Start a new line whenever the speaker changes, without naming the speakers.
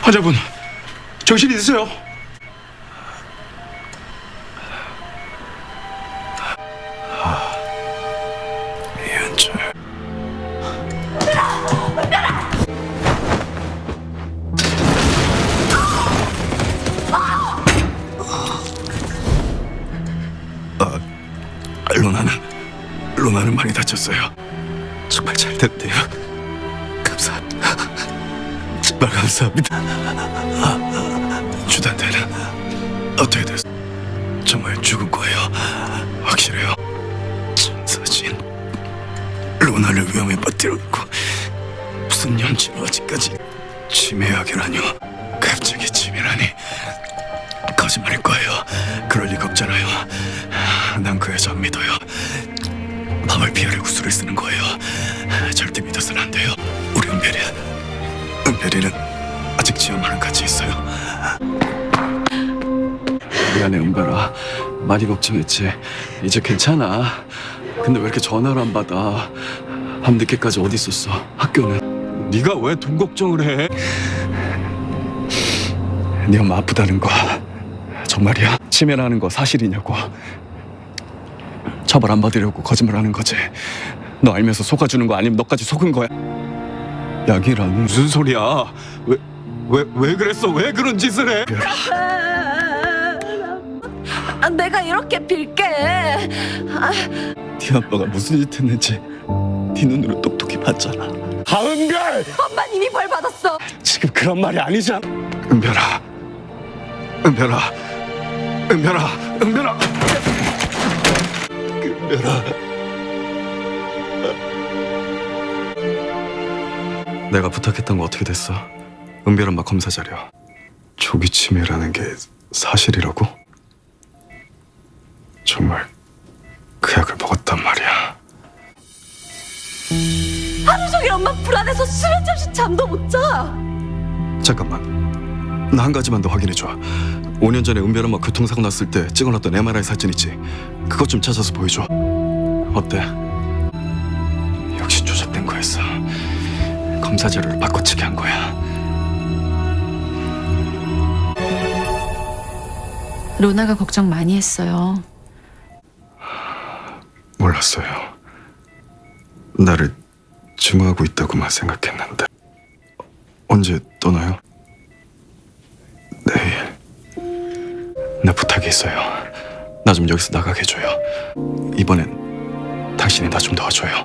환자분, 정신 있으세요? 이현철. 로나는 많이 다쳤어요. 정말 잘 됐대요. 정말 감사합니다. 주단태는 어떻게 됐어? 정말 죽은 거예요? 확실해요? 천사진 로나를 위험에 빠뜨려놓고 무슨 연치로 아직까지 치매약이라뇨? 갑자기 치매라니. 거짓말일 거예요. 그럴 리가 없잖아요. 난 그 여자 안 믿어요. 밤을 피하려고 술을 쓰는 거예요. 절대 믿어서는 안 돼요. 우리 은별이는 아직 지엄마랑 같이 있어요. 미안해 은별아. 많이 걱정했지. 이제 괜찮아. 근데 왜 이렇게 전화를 안 받아? 밤늦게까지 어디 있었어? 학교는? 네가 왜 돈 걱정을 해? 네 엄마 아프다는 거 정말이야? 치매라는 거 사실이냐고. 처벌 안 받으려고 거짓말하는 거지. 너 알면서 속아주는 거 아니면 너까지 속은 거야? 약이란 무슨 소리야? 왜 그랬어? 왜 그런 짓을 해?
내가 이렇게 빌게.
네 아빠가 무슨 짓 했는지 네 눈으로 똑똑히 봤잖아. 하은별!
엄마 이미 벌 받았어.
지금 그런 말이 아니잖아. 은별아. 내가 부탁했던 거 어떻게 됐어? 은별 엄마 검사 자료. 조기 치매라는 게 사실이라고? 정말 그 약을 먹었단 말이야.
하루 종일 엄마 불안해서 수면 잠시 잠도 못 자.
잠깐만. 나 한 가지만 더 확인해줘. 5년 전에 은별 엄마 교통사고 났을 때 찍어놨던 MRI 사진 있지? 그것 좀 찾아서 보여줘. 어때? 역시 조작된 거였어. 검사 자료를 바꿔치기 한 거야.
로나가 걱정 많이 했어요.
몰랐어요. 나를 증오하고 있다고만 생각했는데. 언제 떠나요? 내일. 나 부탁이 있어요. 나 좀 여기서 나가게 해줘요. 이번엔 당신이 나 좀 도와줘요.